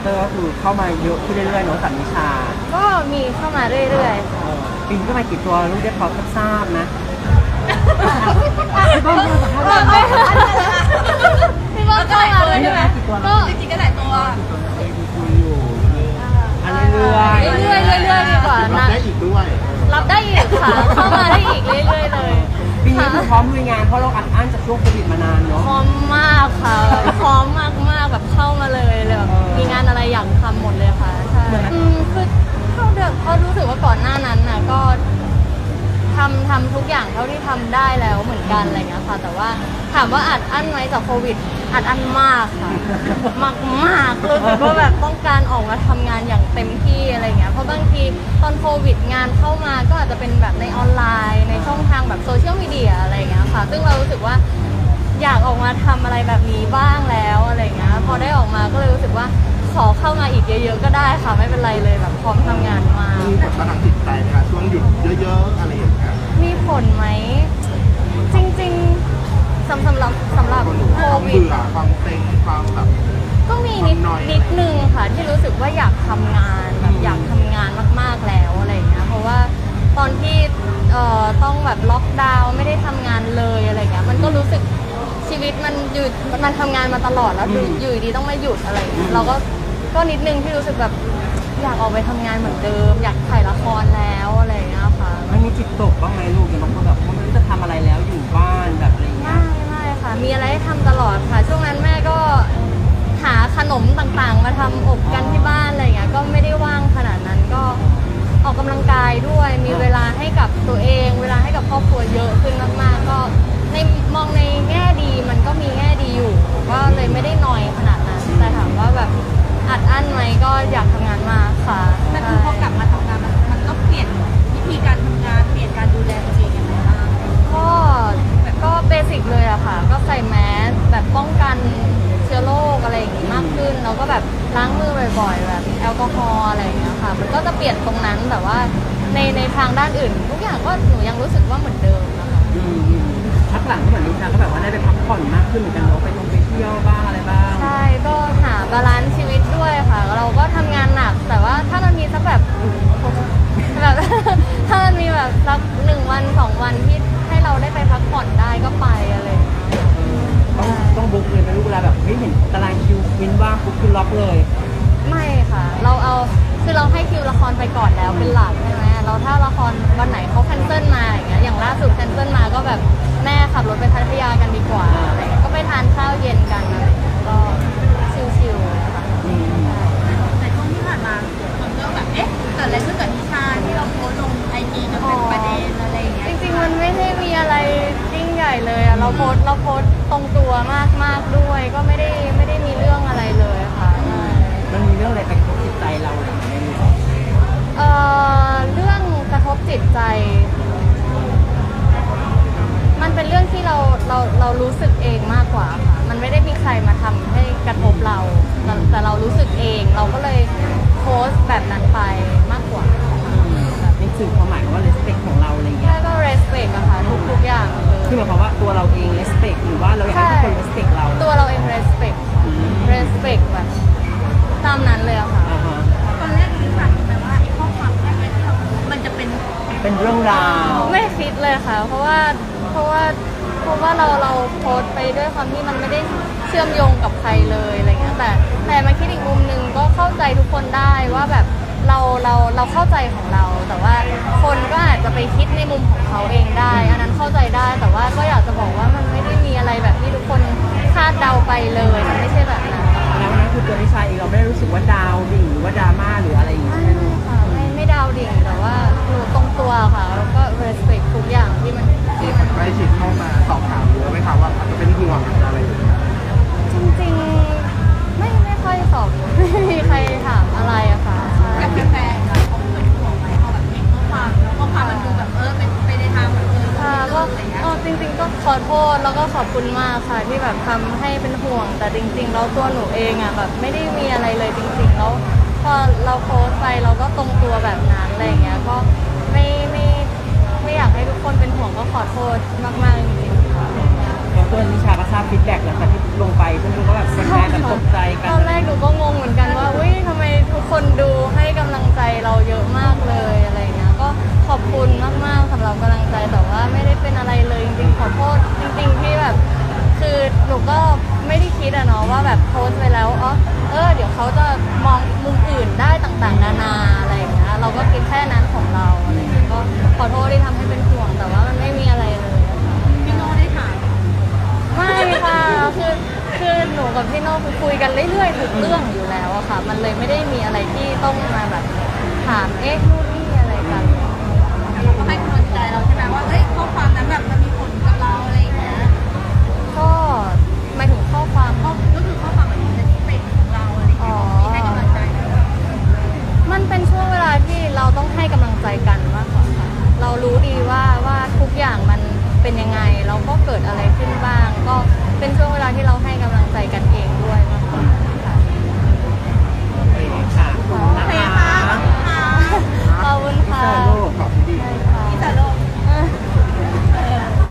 เตอร์ก็คือเข้ามาเยอะขึ้นเรื่อยๆเนาะสันนิชาก็มีเข้ามาเรื่อยๆค่ะปีนี้ก็มากี่ตัวลูกได้พอทราบนะพี่เบิ้มเข้ามาด้วยใช่ไหมก็จริงๆก็หลายตัวคุยอยู่เรื่อยๆดีกว่ารับนะได้อีกด้วยรับได้อีกค่ะเข้ามาได้อีกเรื่อยๆเลยปีนี้คือพร้อมลุยงานเพราะเราอัดอั้นจากช่วงโควิดมานานเนาะพร้อมมากค่ะพร้อมมากๆแบบเข้ามาเลยแบบมีงานอะไรอยากทำหมดเลยค่ะใช่คือเขารู้สึกว่าก่อนหน้านั้นน่ะก็ทำทุกอย่างเท่าที่ทำได้แล้วเหมือนกันอะไรเงี้ยค่ะแต่ว่าถามว่าอัดอั้นไหมจากโควิดอัดอั้นมากค่ะมากรู้สึกว่าแบบต้องการออกมาทำงานอย่างเต็มที่อะไรเงี้ยเพราะบางทีตอนโควิดงานเข้ามาก็อาจจะเป็นแบบในออนไลน์ในช่องทางแบบโซเชียลมีเดียอะไรเงี้ยค่ะซึ่งเรารู้สึกว่าอยากออกมาทำอะไรแบบนี้บ้างแล้วอะไรเงี้ยพอได้ออกมาก็เลยรู้สึกว่าขอเข้ามาอีกเยอะๆก็ได้ค่ะไม่เป็นไรเลยแบบพร้อมทำงานมามีผลต่อทางจิตใจไหมคะช่วงหยุดเยอะๆอะไรอย่างเงี้ยมีผลไหมจริงๆสำหรับโควิดเบื่อความเซ็งความแบบก็มีนิดนึงค่ะที่รู้สึกว่าอยากทำงานแบบอยากทำงานมากๆแล้วอะไรอย่างเงี้ยเพราะว่าตอนที่ต้องแบบล็อกดาวน์ไม่ได้ทำงานเลยอะไรเงี้ยมันก็รู้สึกชีวิตมันหยุดมันทำงานมาตลอดแล้วอยู่ดีต้องมาหยุดอะไรเงี้ยเราก็นิดนึงที่รู้สึกแบบอยากออกไปทำงานเหมือนเดิมอยากถ่ายละครแล้วอะไรเงี้ยค่ะมันมีจิตตกบ้างไหมลูกอย่างบางคนแบบไม่รู้จะทำอะไรแล้วอยู่บ้านแบบอะไรเงี้ยไม่ค่ะมีอะไรให้ทำตลอดค่ะช่วงนั้นแม่ก็หาขนมต่างๆมาทำอบกันที่บ้านอะไรเงี้ยก็ไม่ได้ว่างขนาดนั้นก็ออกกำลังกายด้วยมีเวลาให้กับตัวเองเวลาให้กับครอบครัวเยอะขึ้นมากๆก็ในมองในแง่ดีมันก็มีแง่ดีอยู่ก็เลยไม่ได้นอยขนาดนั้นแต่ถามว่าแบบอัดอั้นไหมก็อยากทำงานมากค่ะแต่คือพอกลับมาทำงานมันก็เปลี่ยนวิธีการทำงานเปลี่ยนการดูแลตัวเองยังไงบ้างก็เบสิกเลยอะค่ะก็ใส่แมสแบบป้องกันเชื้อโรคอะไรอย่างงี้มากขึ้นแล้วก็แบบล้างมือบ่อยๆแบบแอลกอฮอล์อะไรอย่างเงี้ยค่ะมันก็จะเปลี่ยนตรงนั้นแต่ว่าในทางด้านอื่นทุกอย่างก็หนูยังรู้สึกว่าเหมือนเดิมนะคะพักหลังก็เหมือนนิชาก็แบบว่าได้ไปพักผ่อนมากขึ้นเหมือนกันเนาะไปเที่ยวบ้างอะไรบ้างใช่ก็หาบาลานซ์ชีวิตด้วยค่ะเราก็ทำงานหนักแต่ว่าถ้ามันมีสักแบบถ้ามันมีแบบสัก1 วัน 2 วันที่ให้เราได้ไปพักผ่อนได้ก็ไปอะไรต้องบุ๊กเลยเป็นลูกเวลาแบบไม่เห็นตารางคิววินว่างปุ๊บคือล็อกเลยไม่ค่ะคือเราให้คิวละครไปก่อนแล้วเป็นหลักใช่ไหมเราถ้าละครวันไหนเขาแคนเซิลมาอย่างเงี้ยอย่างล่าสุดแคนเซิลมาก็แบบแม่ขับรถไปพัทยากันดีกว่าอะไรก็ไปทานข้าวเย็นกันอะไรก็ชิลๆค่ะแต่ช่วงที่ผ่านมาคนก็แบบเอ๊ะเกิดอะไรขึ้นกับนิชาที่เราโพสต์ลงไอจีจนเป็นประเด็นอะไรอย่างเงี้ยจริงๆมันไม่ได้มีอะไรยิ่งใหญ่เลยอะเราโพสต์ตรงตัวมากๆด้วยก็ไม่ได้มีเรื่องอะไรเลยค่ะมันมีเรื่องอะไรไปกระทบจิตใจเราอะไรอย่างเงี้ยเรื่องกระทบจิตใจมันเป็นเรื่องที่เรารู้สึกเองมากกว่าค่ะมันไม่ได้มีใครมาทำให้กระทบเราแต่เรารู้สึกเองเราก็เลยโพสต์แบบนั้นไปมากกว่าแบบนี่คือความหมายว่า respect ของเราอะไรเงี้ยก็ respect อะค่ะทุกอย่างคือหมายความว่าตัวเราเอง respect หรือว่าเราอยากให้ทุกคน respect เราตัวเราเอง respectแบบตามนั้นเลยอะค่ะตอนแรกคิดแบบแต่ว่าไอ้ข้อความแรกที่เรามันจะเป็นเรื่องราวไม่คิดเลยค่ะเพราะว่าเราโพสต์ไปด้วยความที่มันไม่ได้เชื่อมโยงกับใครเลยอะไรเงี้ยแต่มาคิดอีกมุมนึงก็เข้าใจทุกคนได้ว่าแบบเราเข้าใจของเราแต่ว่าคนก็อาจจะไปคิดในมุมของเขาเองได้อันนั้นเข้าใจได้แต่ว่าก็อยากจะบอกว่ามันไม่ได้มีอะไรแบบที่ทุกคนคาดเดาไปเลยมันไม่ใช่แบบนั้นแล้วนั่นคือตัวนิชาเองเราไม่ได้รู้สึกว่าดาวดิ่งหรือว่าดราม่าหรืออะไรอย่างเงี้ยค่ะไม่ดาวดิ่งแต่ว่าอยู่ตรงตัวค่ะแล้วก็ respect ทุกอย่างที่มันใกล้ชิดเข้ามาสอบถามเยอะไหมคะว่าอาจจะเป็นห่วงอะไรอย่างเงี้ยจริงๆไม่ค่อยสอบไม่มีใครถามอะไรอะค่ะกับแฟนๆเขาเป็นห่วงไหมเขาแบบเห็นข้อความแล้วข้อความมันดูแบบเป็นไปในทางแบบก็จริงๆก็ขอโทษแล้วก็ขอบคุณมากค่ะที่แบบทำให้เป็นห่วงแต่จริงๆแล้วตัวหนูเองอะแบบไม่ได้มีอะไรเลยจริงๆแล้วพอเราโพสต์ไปเราก็ตรงตัวแบบนั้นอะไรอย่างเงี้ยก็ไม่อยากให้ทุกคนเป็นห่วงก็ขอโทษมากๆจริงๆค่ะแล้วตัวนิชาก็ทราบฟีดแบ็กหลังจากที่ลงไปเพื่อนๆก็แบบแฟนๆแบบตกใจกันตอนแรกหนูก็งงเหมือนกันว่าอุ้ยนูก็ไม่ได้คิดอะเนาะว่าแบบโพสต์ไปแล้วเดี๋ยวเขาจะมองมุมอื่นได้ต่างๆนานาอะไรอย่างเงี้ยเราก็คิดแค่นั้นของเราอะไรอย่างเงี้ยก็ขอโทษที่ทำให้เป็นห่วงแต่ว่ามันไม่มีอะไรเลยอะค่ะพี่โน่ได้ถามไม่ค่ะคือหนูกับพี่โน่คือคุยกันเรื่อยๆทุกเรื่องอยู่แล้วอะค่ะ มันเลยไม่ได้มีอะไรที่ต้องมาแบบถามนู่นนี่อะไรกันเราก็ให้กำลังใจเราใช่ไหมว่าข้อความนั้นแบบมันมีผลกับเราอะไรอย่างเงี้ยก็หมายถึงข้อความ